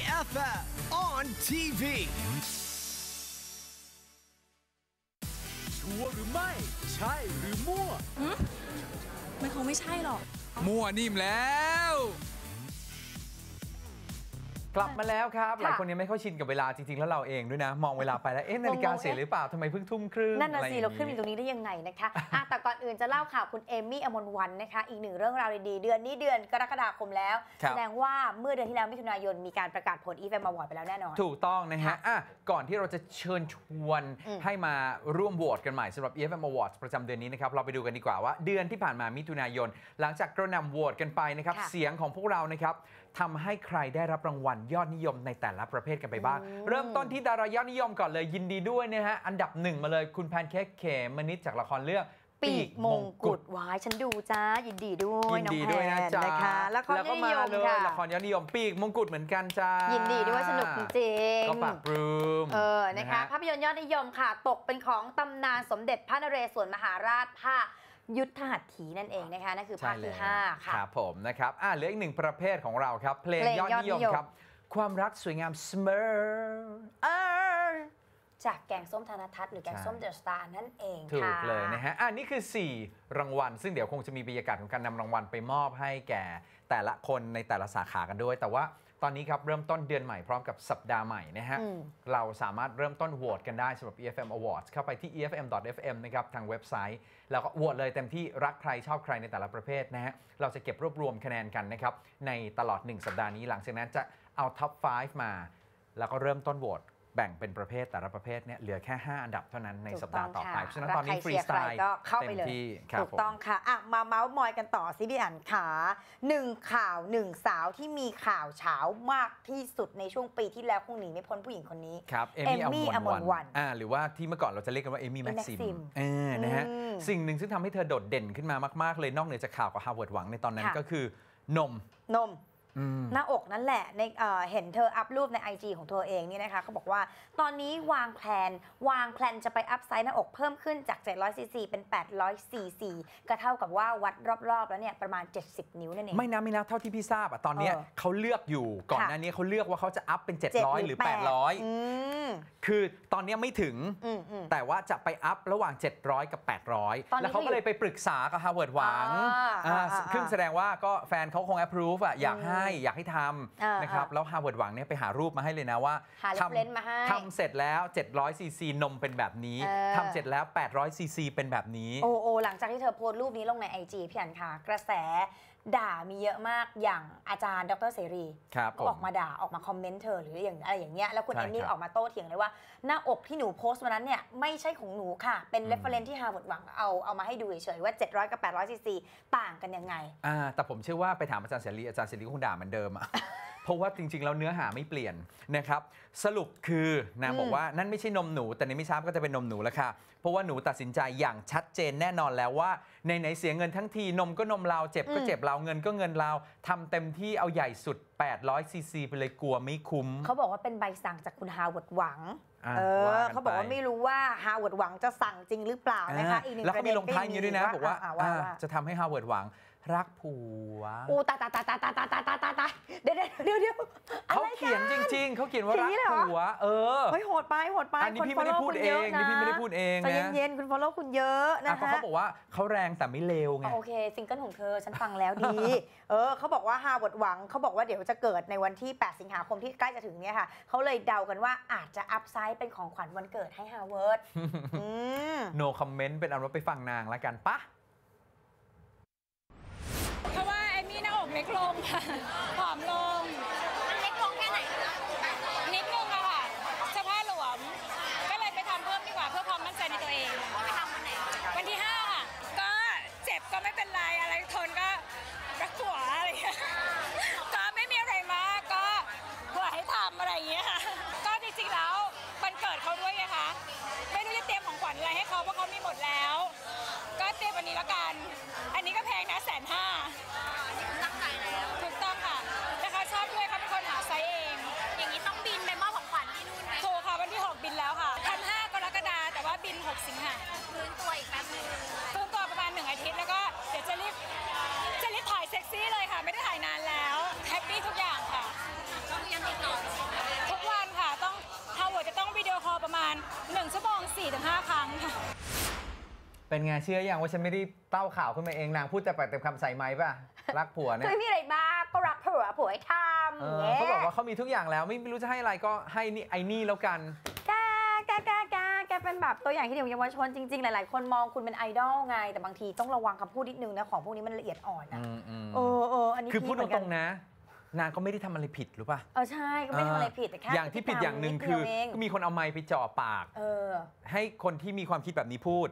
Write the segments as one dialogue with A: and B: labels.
A: EFF on TV ชัวร์หรือไม่ใช่หรือมั่ว
B: มันคงไม่ใช่หรอก
C: มั่วนิ่มแล้วกลับมาแล้วครับหลายคนยังไม่เข้าชินกับเวลาจริงๆแล้วเราเองด้วยนะมองเวลาไปแล้วนาฬิกาเสียหรือเปล่าทำไมเพิ่งทุ่มครึ่ง
D: นั่นน่ะสิเราขึ้นอยู่ตรงนี้ได้ยังไงนะคะแต่ก่อนอื่นจะเล่าข่าวคุณเอมี่อมรวรรณนะคะอีกหนึ่งเรื่องราวดีๆเดือนนี้เดือนกรกฎาคมแล้วแสดงว่าเมื่อเดือนที่แล้วมิถุนายนมีการประกาศผลEFF Award ไปแล้วแน่นอน
C: ถูกต้องนะฮะก่อนที่เราจะเชิญชวนให้มาร่วมโหวตกันใหม่สำหรับ EFF Award ประจำเดือนนี้นะครับเราไปดูกันดีกว่าว่าเดือนที่ผ่านมามิถุนายนหลังจากกระหน่ำโหวตกันไปนะครับเสียงของพวกเรานะครับทำให้ใครได้รับรางวัลยอดนิยมในแต่ละประเภทกันไปบ้างเริ่มต้นที่ดารายอดนิยมก่อนเลยยินดีด้วยนะฮะอันดับหนึ่งมาเลยคุณแพนเค้กเขมนิดจากละครเรื่อง
D: ปีกมงกุฎวายฉันดูจ้ายินดีด้วยน้องแพนนะคะแล้วก็มาเลย
C: ละครยอดนิยมปีกมงกุฎเหมือนกันจ้า
D: ยินดีด้วยสนุกจริง
C: ก็ปากปลื้ม
D: นะคะภาพยนตร์ยอดนิยมค่ะตกเป็นของตำนานสมเด็จพระนเรศวรมหาราชภาคยุทธหัตถีนั่นเองนะคะนั่นคือภาคที่5ค่ะ
C: ครับผมนะครับเหลืออีกหนึ่งประเภทของเราครับเพลงยอดนิยมครับความรักสวยงามเสมอ
D: จากแกงส้มธนทัศน์หรือแกงส้มเดอะสตาร์นั่นเอง
C: ถูกเลยนะฮะนี่คือ4รางวัลซึ่งเดี๋ยวคงจะมีบรรยากาศของการนำรางวัลไปมอบให้แก่แต่ละคนในแต่ละสาขากันด้วยแต่ว่าตอนนี้ครับเริ่มต้นเดือนใหม่พร้อมกับสัปดาห์ใหม่นะฮะเราสามารถเริ่มต้นโหวตกันได้สำหรับ EFF Awards เข้าไปที่ efm.fm นะครับทางเว็บไซต์แล้วก็โหวตเลยเต็มที่รักใครชอบใครในแต่ละประเภทนะฮะเราจะเก็บรวบรวมคะแนนกันนะครับในตลอด1สัปดาห์นี้หลังจากนั้นจะเอาท็อป 5 มาแล้วก็เริ่มต้นโหวตแบ่งเป็นประเภทแต่ละประเภทเนี่ยเหลือแค่5อันดับเท่านั้นในสัปดาห์ต่อไปเพราะฉะนั้นตอนนี้ฟรีสไตล์
D: ก็เข้าไปเลยถูกต้องค่ะมาเมาส์มอยกันต่อซิพี่อั๋นขา1ข่าว1สาวที่มีข่าวเช้ามากที่สุดในช่วงปีที่แล้วคงหนีไม่พ้นผู้หญิงคนนี้
C: ครับเอมี่อมรวรรณหรือว่าที่เมื่อก่อนเราจะเรียกกันว่าเอมี่แม็กซิมนะฮะสิ่งหนึ่งซึ่งทำให้เธอโดดเด่นขึ้นมามากๆเลยนอกเหนือจากข่าวกับฮาร์วาร์ดหวังในตอนนั้นก็คือนม
D: หน้าอกนั่นแหละในเห็นเธออัพรูปใน IG ของเธอเองนี่นะคะเขาบอกว่าตอนนี้วางแพลนจะไปอัพไซส์หน้าอกเพิ่มขึ้นจาก700 ซีซีเป็น800 ซีซีก็เท่ากับว่าวัดรอบๆแล้วเนี่ยประมาณ70นิ้วนั่นเอง
C: ไม่นะเท่าที่พี่ทราบตอนนี้เขาเลือกอยู่ก่อนหน้านี้เขาเลือกว่าเขาจะอัพเป็น700หรือ800คือตอนนี้ไม่ถึงแต่ว่าจะไปอัพระหว่าง700กับ800แล้วเขาก็เลยไปปรึกษากับฮาร์วาร์ดหวังซึ่งแสดงว่าก็แฟนเขาคง approve อยากให้ทำนะครับแล้วฮาร์วาร์ดหวังเนี่ยไปหารูปมาให้เลยนะว่าทำเสร็จแล้ว700 ซีซีนมเป็นแบบนี้ทำเสร็จแล้ว800 ซีซีเป็นแบบนี้
D: โอ้หลังจากที่เธอโพสต์รูปนี้ลงใน IG พี่อั๋นค่ะกระแสด่ามีเยอะมากอย่างอาจารย์ดร.เสรีก็ออกมาด่าออกมาคอมเมนต์เธอหรืออย่างอะไรอย่างเงี้ยแล้วคุณเอมมี่ออกมาโต้เถียงเลยว่าหน้าอกที่หนูโพสต์วันนั้นเนี่ยไม่ใช่ของหนูค่ะเป็นเรฟเฟอเรนซ์ที่ฮาร์วาร์ดหวังเอามาให้ดูเฉยๆว่า700กับ800 ซีซีต่างกันยังไง
C: แต่ผมเชื่อว่าไปถามอาจารย์เสรีคงด่าเหมือนเดิมเพราะว่าจริงๆแล้วเนื้อหาไม่เปลี่ยนนะครับสรุปคือนางบอกว่านั่นไม่ใช่นมหนูแต่ในไม่ช้าก็จะเป็นนมหนูแล้วค่ะเพราะว่าหนูตัดสินใจอย่างชัดเจนแน่นอนแล้วว่าในเสียเงินทั้งทีนมก็นมเราเจ็บก็เจ็บเราเงินก็เงินเราทำเต็มที่เอาใหญ่สุด800 ซีซีไปเลยกลัวไม่คุ้ม
D: เขาบอกว่าเป็นใบสั่งจากคุณฮาร์วาร์ดหวังเขาบอกว่าไม่รู้ว่าฮาร์วาร์ดหวังจะสั่งจริงหรือเปล่านะคะอีกหนึ่งประเด็น
C: แล้วก็มีลงท้ายอย่างนี้ด้วยนะบอกว่าจะทำให้ฮาร์วาร์ดหวังรักผัว
D: ตายเดี๋ยว
C: เขาเขียนจริงๆเขาเขียนว่ารักผัว
D: เฮ้ยโหดไป
C: อันนี้พี่ไม่ได้พูดเองนี่พี่ไม่ได้พูดเอง
D: นะใจเย็นๆคุณ follow คุณเยอะนะคะ
C: เขาบอกว่าเขาแรงแต่ไม่เลวไง
D: โอเคซิงเกิลของเธอฉันฟังแล้วดีเขาบอกว่าฮาร์วาร์ดหวังเขาบอกว่าเดี๋ยวจะเกิดในวันที่8 สิงหาคมที่ใกล้จะถึงเนี่ยค่ะเขาเลยเดากันว่าอาจจะอัพไซด์เป็นของขวัญวันเกิดให้ฮาร์วาร์ด
C: no comment เป็นอันว่าไปฟังนางแล้วกันปะ
B: เพราะว่าเอมี่หน้าอกเล็กลงค่ะผอมลง
D: มันเล็กลงแค่ไหน
B: นิดนึงอะค่ะเสื้อผ้าหลวมก็เลยไปทำเพิ่มดีกว่าเพื่อความมั่นใจในตัวเอง
D: ไปทำวันไหน
B: วันที่5ค่ะก็เจ็บก็ไม่เป็นไรอะไรทนก็รักหัวอะไรก็ไม่มีอะไรมากก็เพื่อให้ทำอะไรอย่างเงี้ยค่ะก็จริงๆแล้ววันเกิดเขาด้วยไงคะไม่รู้จะเตรียมของขวัญอะไรให้เขาเพราะเขามีหมดแล้วก็เตรียมวันนี้แล้วกันอันนี้ก็แพงนะ150,000
D: ตั้งใจแล้ว
B: ถูกต้องค่ะแต่เขาชอบด้วยเขาเป็นคนหาไซส์เอง
D: อย่างนี้ต้องบินไปมอบของขวัญที่นู่นไหม
B: ถูกค่ะวันที่6บินแล้วค่ะ5 กรกฎาคมแต่ว่าบิน6 สิงหา
D: ฟื้นตัวอีกแป๊บนึง
B: ฟื้นตัวประมาณ1 อาทิตย์แล้วก็เดี๋ยวจะรีบถ่ายเซ็กซี่เลยค่ะไม่ได้ถ่ายนานแล้วแฮปปี้ทุกอย่างค่ะ
D: ก็ยังติดต่อ
B: ประมาณ1 ชั่วโมง 4-5 ครั้งค่ะ
C: เป็นไงเชื่ออย่างว่าฉันไม่ได้เต้าข่าวขึ้นมาเองนางพูดแต่ปากเต็มคำใส่ไม้ป่ะรักผัวเนี่ย
D: ไม่มีอะไรบ้างก็รักผัวให้ทำ
C: เขาบอกว่าเขามีทุกอย่างแล้วไม่รู้จะให้อะไรก็ให้นี่ไอ้นี่แล้วกัน
D: แกเป็นแบบตัวอย่างที่เด็กเยาวชนจริงๆหลายๆคนมองคุณเป็นไอดอลไงแต่บางทีต้องระวังคำพูดนิดนึงนะของพวกนี้มันละเอียดอ่อนนะอันนี้
C: คือพูดตรงๆนะนางก็ไม่ได้ทำอะไรผิดหรือป่ะ
D: ใช่ก็ไม่ทำอะไรผิดแต่แค่
C: อย่างที่ผิดอย่างหนึ่งคือก็มีคนเอาไมค์ไปจ่อปากให้คนที่มีความคิดแบบนี้พูด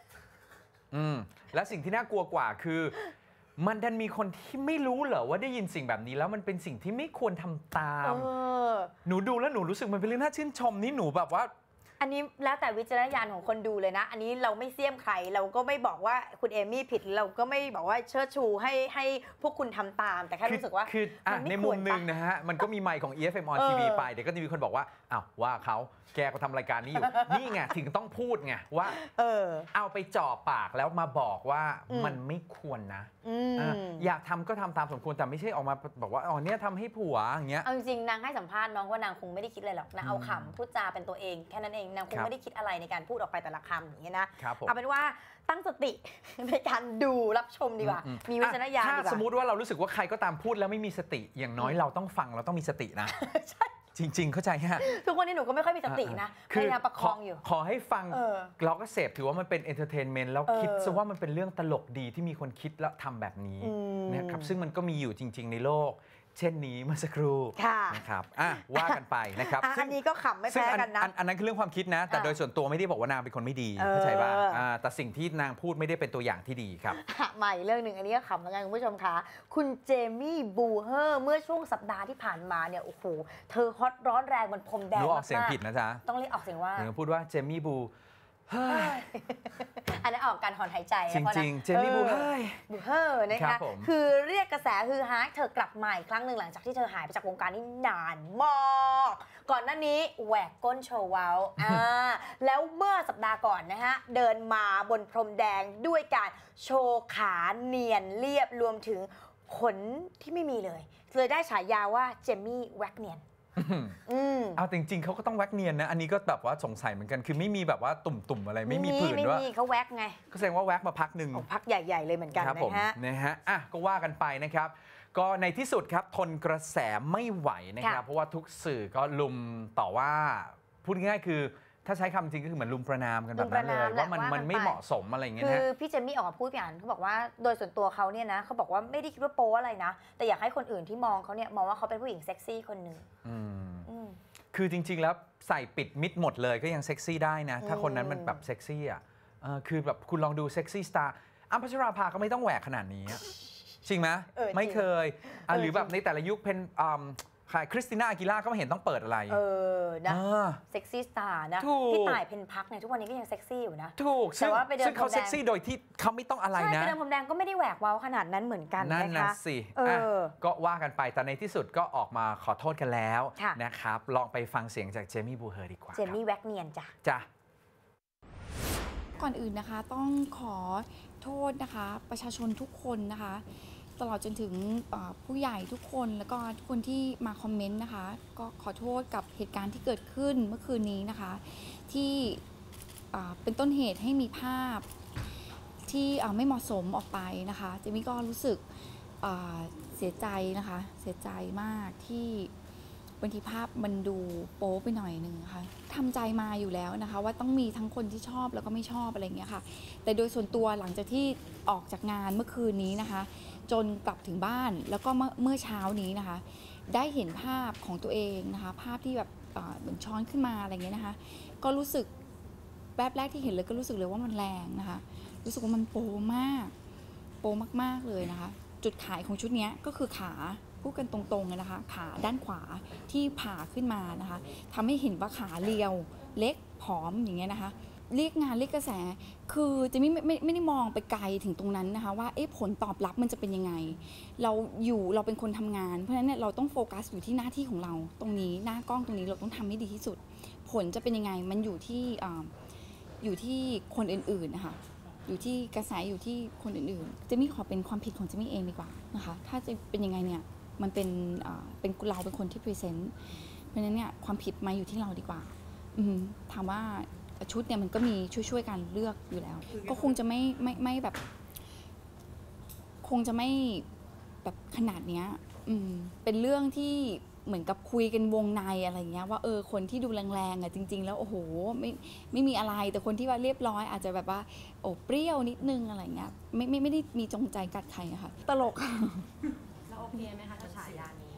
C: และสิ่งที่น่ากลัวกว่าคือมันดันมีคนที่ไม่รู้เหรอว่าได้ยินสิ่งแบบนี้แล้วมันเป็นสิ่งที่ไม่ควรทำตามหนูดูแล้วหนูรู้สึกมันเป็นเรื่องน่าชื่นชมนี่หนูแบบว่า
D: อันนี้แล้วแต่วิจารณญาณของคนดูเลยนะอันนี้เราไม่เสี้ยมใครเราก็ไม่บอกว่าคุณเอมี่ผิดเราก็ไม่บอกว่าเชิดชูให้พวกคุณทำตามแต่แค่รู้สึกว่า
C: คือในมุมหนึ่งนะฮะมันก็มีไมค์ของ EFM on TV ไปเดี๋ยวก็จะมีคนบอกว่าอ้าวว่าเขาแกก็ทำรายการนี้อยู่นี่ไงถึงต้องพูดไงว่าเอาไปจ่อปากแล้วมาบอกว่ามันไม่ควรนะอยากทำก็ทำตามสมควรแต่ไม่ใช่ออกมาบอกว่าอ๋อเนี่ยทำให้ผัวอย่างเงี้ย
D: เอาจริงนางให้สัมภาษณ์น้องว่านางคงไม่ได้คิดอะไรหรอกนางเอาขำพูดจาเป็นตัวเองแค่นั้นเองนางคงไม่ได้คิดอะไรในการพูดออกไปแต่ละคำอย่างเงี้ยนะเอาเป็นว่าตั้งสติในการดูรับชมดีกว่ามีวิจารณญาณดีกว่า
C: ถ้าสมมติว่าเรารู้สึกว่าใครก็ตามพูดแล้วไม่มีสติอย่างน้อยเราต้องฟังเราต้องมีสตินะจริงๆเข้าใจฮะ
D: ทุกวันนี้หนูก็ไม่ค่อยมีสตินะพยายามประคองอยู่
C: ขอให้ฟังเราก็เสพถือว่ามันเป็นเอนเตอร์เทนเมนต์แล้วคิดซะว่ามันเป็นเรื่องตลกดีที่มีคนคิดแล้วทำแบบนี้นะครับซึ่งมันก็มีอยู่จริงๆในโลกเช่นนี้เมื่อสักครู่นะครับว่ากันไปนะครับ
D: อันนี้ก็ขำไม่แพ้กันนะ
C: อันนั้นคือเรื่องความคิดนะแต่โดยส่วนตัวไม่ได้บอกว่านางเป็นคนไม่ดีเข้าใจป่ะแต่สิ่งที่นางพูดไม่ได้เป็นตัวอย่างที่ดีครับ
D: ใหม่เรื่องหนึ่งอันนี้ก็ขำเหมือนกันคุณผู้ชมคะคุณเจมี่บูเฮอร์เมื่อช่วงสัปดาห์ที่ผ่านมาเนี่ยโอ้โหเธอฮอตร้อนแรงบนพรมแดงมาก
C: ออกเสียงผิดนะจ๊ะ
D: ต้องเรียกออกเสียงว่า
C: พูดว่าเจมี่บู
D: อันนั้นออกการถอนหายใจ
C: จริงๆเจมี่บูเ
D: ฮอร์นะคะคือเรียกกระแสฮือฮาเธอกลับมาอีกครั้งหนึ่งหลังจากที่เธอหายไปจากวงการนี้นานมากก่อนหน้านี้แหวกก้นโชว์เว้าแล้วเมื่อสัปดาห์ก่อนนะฮะเดินมาบนพรมแดงด้วยการโชว์ขาเนียนเรียบรวมถึงขนที่ไม่มีเลยได้ฉายาว่าเจมี่แว็กเนียน
C: เอาจริงๆเขาก็ต้องแว็กเนียนนะอันนี้ก็แบบว่าสงสัยเหมือนกันคือไม่มีแบบว่าตุ่มๆอะไรไม่มีผื่นด้วย
D: ไม่มีเขาแว็กไง
C: ก็แสดงว่าแว็กมาพักหนึ่ง
D: พักใหญ่ๆเลยเหมือนกัน
C: นะฮะก็ว่ากันไปนะครับก็ในที่สุดครับทนกระแสไม่ไหวนะครับเพราะว่าทุกสื่อก็ลุมต่อว่าพูดง่ายๆคือถ้าใช้คำจริงก็คือเหมือนลุมประนามกันแบบนั้นเลยว่ามันไม่เหมาะสมอะไรอย่างเงี้ยนะ
D: คือพี่เจมี่ออกมาพูดอย่างเขาบอกว่าโดยส่วนตัวเขาเนี่ยนะเขาบอกว่าไม่ได้คิดว่าโป๊อะไรนะแต่อยากให้คนอื่นที่มองเขาเนี่ยมองว่าเขาเป็นผู้หญิงเซ็กซี่คนหนึ่ง
C: คือจริงๆแล้วใส่ปิดมิดหมดเลยก็ยังเซ็กซี่ได้นะถ้าคนนั้นมันแบบเซ็กซี่อ่ะคือแบบคุณลองดูเซ็กซี่สตาร์อ้ำพัชราภาก็ไม่ต้องแหวกขนาดนี้จริงไหมไม่เคยหรือแบบในแต่ละยุคเป็นคริสติน่าอากิล่าก็ไม่เห็นต้องเปิดอะไร
D: นะเซ็กซี่สตาร์นะพี่ต่ายเพนพักเนี่ยทุกวันนี้ก็ยังเซ็กซี่อยู่นะ
C: ถูกแต่ว่าไปเดินพรมแดงเขาเซ็กซี่โดยที่เขาไม่ต้องอะไรนะ
D: ใช่ไปเดินพรมแดงก็ไม่ได้แหวกเว้าขนาดนั้นเหมือนกัน
C: นั่นนะสิก็ว่ากันไปแต่ในที่สุดก็ออกมาขอโทษกันแล้วนะครับลองไปฟังเสียงจากเจมี่บูเฮอร์ดีกว่า
D: เจมี่แว็กเนียน
C: จ้ะ
E: ก่อนอื่นนะคะต้องขอโทษนะคะประชาชนทุกคนนะคะตลอดจนถึงผู้ใหญ่ทุกคนแล้วก็ทุกคนที่มาคอมเมนต์นะคะก็ขอโทษกับเหตุการณ์ที่เกิดขึ้นเมื่อคืนนี้นะคะที่เป็นต้นเหตุให้มีภาพที่ไม่เหมาะสมออกไปนะคะเจมี่ก็รู้สึกเสียใจนะคะเสียใจมากที่บางทีภาพมันดูโป๊ไปหน่อยนึงค่ะทำใจมาอยู่แล้วนะคะว่าต้องมีทั้งคนที่ชอบแล้วก็ไม่ชอบอะไรอย่างเงี้ยค่ะแต่โดยส่วนตัวหลังจากที่ออกจากงานเมื่อคืนนี้นะคะจนกลับถึงบ้านแล้วก็เมื่อเช้านี้นะคะได้เห็นภาพของตัวเองนะคะภาพที่แบบเหมือนช้อนขึ้นมาอะไรเงี้ยนะคะก็รู้สึกแป๊บแรกที่เห็นเลยก็รู้สึกเลยว่ามันแรงนะคะรู้สึกว่ามันโป๊มากโป๊มากๆเลยนะคะจุดขายของชุดนี้ก็คือขาพูดกันตรงๆเลยนะคะขาด้านขวาที่ผ่าขึ้นมานะคะทำให้เห็นว่าขาเรียวเล็กผอมอย่างเงี้ยนะคะเรียกงานเรียกกระแสคือจะไม่ได้มองไปไกลถึงตรงนั้นนะคะว่าผลตอบรับมันจะเป็นยังไงเราเป็นคนทำงานเพราะฉะนั้นเนี่ยเราต้องโฟกัสอยู่ที่หน้าที่ของเราตรงนี้หน้ากล้องตรงนี้เราต้องทำให้ดีที่สุดผลจะเป็นยังไงมันอยู่ที่คนอื่นๆนะคะอยู่ที่กระแสอยู่ที่คนอื่นๆจะไม่ขอเป็นความผิดของจะไม่เองดีกว่านะคะถ้าจะเป็นยังไงเนี่ยมันเป็นเราเป็นคนที่พรีเซนต์เพราะฉะนั้นเนี่ยความผิดมาอยู่ที่เราดีกว่าถามว่าชุดเนี่ยมันก็มีช่วยกันเลือกอยู่แล้ว ก็คงจะไม่แบบคงจะไม่แบบขนาดเนี้ยเป็นเรื่องที่เหมือนกับคุยกันวงในอะไรเงี้ยว่าคนที่ดูแรงๆอ่ะจริงๆแล้วโอ้โหไม่มีอะไรแต่คนที่ว่าเรียบร้อยอาจจะแบบว่าโอ้เปรี้ยวนิดนึงอะไรเงี้ยไม่ได้มีจงใจกัดใครอะค่ะตลก
F: แล้วโอเคไหมคะกับฉายานี้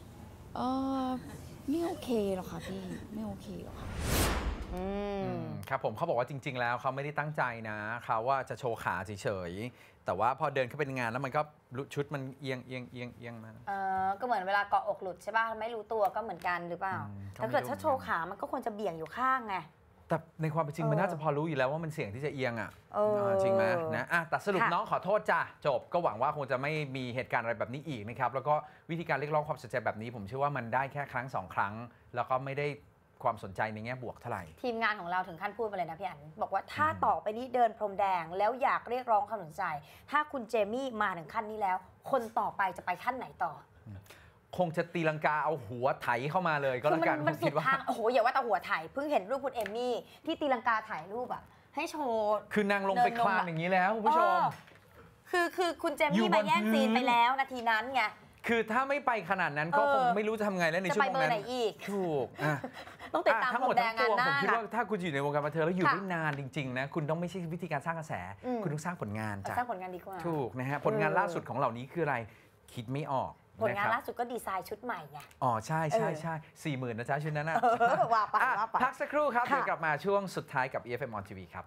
E: ไม่โอเคหรอกค่ะพี่ไม่โอเคหรอกค่ะ
C: ครับผมเขาบอกว่าจริงๆแล้วเขาไม่ได้ตั้งใจนะเขาว่าจะโชว์ขาเฉยๆแต่ว่าพอเดินเข้าไปในงานแล้วมันก็ชุดมันเอียงมา
D: ก็เหมือนเวลาเกาะอกหลุดใช่ป่ะไม่รู้ตัวก็เหมือนกันหรือเปล่าถ้าเกิดถ้าโชว์ขามันก็ควรจะเบี่ยงอยู่ข้างไง
C: แต่ในความเป็นจริงมันน่าจะพอรู้อยู่แล้วว่ามันเสี่ยงที่จะเอียงจริงไหมนะแต่สรุปน้องขอโทษจ้ะจบก็หวังว่าคงจะไม่มีเหตุการณ์อะไรแบบนี้อีกนะครับแล้วก็วิธีการเรียกร้องความสนใจแบบนี้ผมเชื่อว่ามันได้แค่ครั้ง2 ครั้งแล้วก็ไม่ได้ความสนใจในแง่บวกเท่าไหร่
D: ทีมงานของเราถึงขั้นพูดมาเลยนะพี่อั๋นบอกว่าถ้าต่อไปนี้เดินพรมแดงแล้วอยากเรียกร้องความสนใจถ้าคุณเจมี่มาถึงขั้นนี้แล้วคนต่อไปจะไปขั้นไหนต่อ
C: คงจะตีลังกาเอาหัวไถเข้ามาเลยก็แล้วกัน
D: มันสุดทางโอ้โหอย่าว่าแต่หัวไถเพิ่งเห็นรูปคุณเอมมี่ที่ตีลังกาถ่ายรูปอะให้โชว์
C: คือนางลงไปคลานอย่างนี้แล้วคุณผู้ชม
D: คือคุณเจมี่มาแย่งซีนไปแล้วนาทีนั้นไง
C: คือถ้าไม่ไปขนาดนั้นก็คงไม่รู้จะทำไงแล้วในช่วงนั้นถูก
D: ต้องติดตาม
C: ทั้งหมดทั้งปวงผมคิดว่าถ้าคุณอยู่ในวงการบันเทิงแล้วอยู่ได้นานจริงๆนะคุณต้องไม่ใช่วิธีการสร้างกระแสคุณต้องสร้างผลงาน
D: สร้างผลงานดีกว่า
C: ถูกนะฮะผลงานล่าสุดของเหล่านี้คืออะไรคิดไม่ออก
D: ผลงานล่าสุดก็ดีไซน์ชุดใหม่ไง
C: ใช่40,000นะจ๊ะชุดนั้นนะ
D: ว่าไป
C: พักสักครู่ครับเดี๋ยวกลับมาช่วงสุดท้ายกับ EFM on TV ครับ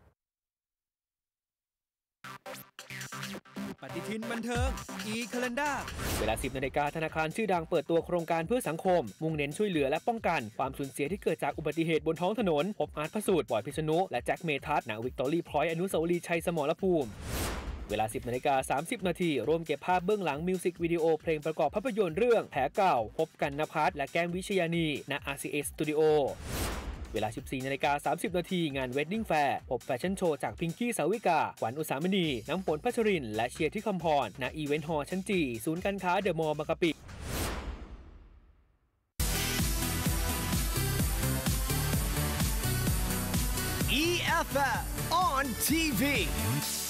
A: ปฏิทินบันเทิง e-calendar
G: เวลา 10 นาฬิกาธนาคารชื่อดังเปิดตัวโครงการเพื่อสังคมมุ่งเน้นช่วยเหลือและป้องกันความสูญเสียที่เกิดจากอุบัติเหตุบนท้องถนนพบอาร์ตพระสูตรบอยพิษณุและแจ็คเมทัศน์ณวิกตอรี่พอยต์อนุสาวรีย์ชัยสมรภูมิเวลา 10 นาฬิกา 30 นาทีร่วมเก็บภาพเบื้องหลังมิวสิกวิดีโอเพลงประกอบภาพยนตร์เรื่องแผลเก่าพบกันณภัทรและแก้มวิชยานีณ RCA Studioเวลา 14 นาฬิกา 30 นาทีงาน Wedding Fair พบแฟชั่นโชว์จากพิงกี้สาวิกาขวัญอุสามณีน้ำฝนพัชรินและเชียร์ที่คำพรณอีเวนต์ฮอลล์ชั้นจีศูนย์การค้าเดอะมอลล์บางกะปิ
A: EFF on TV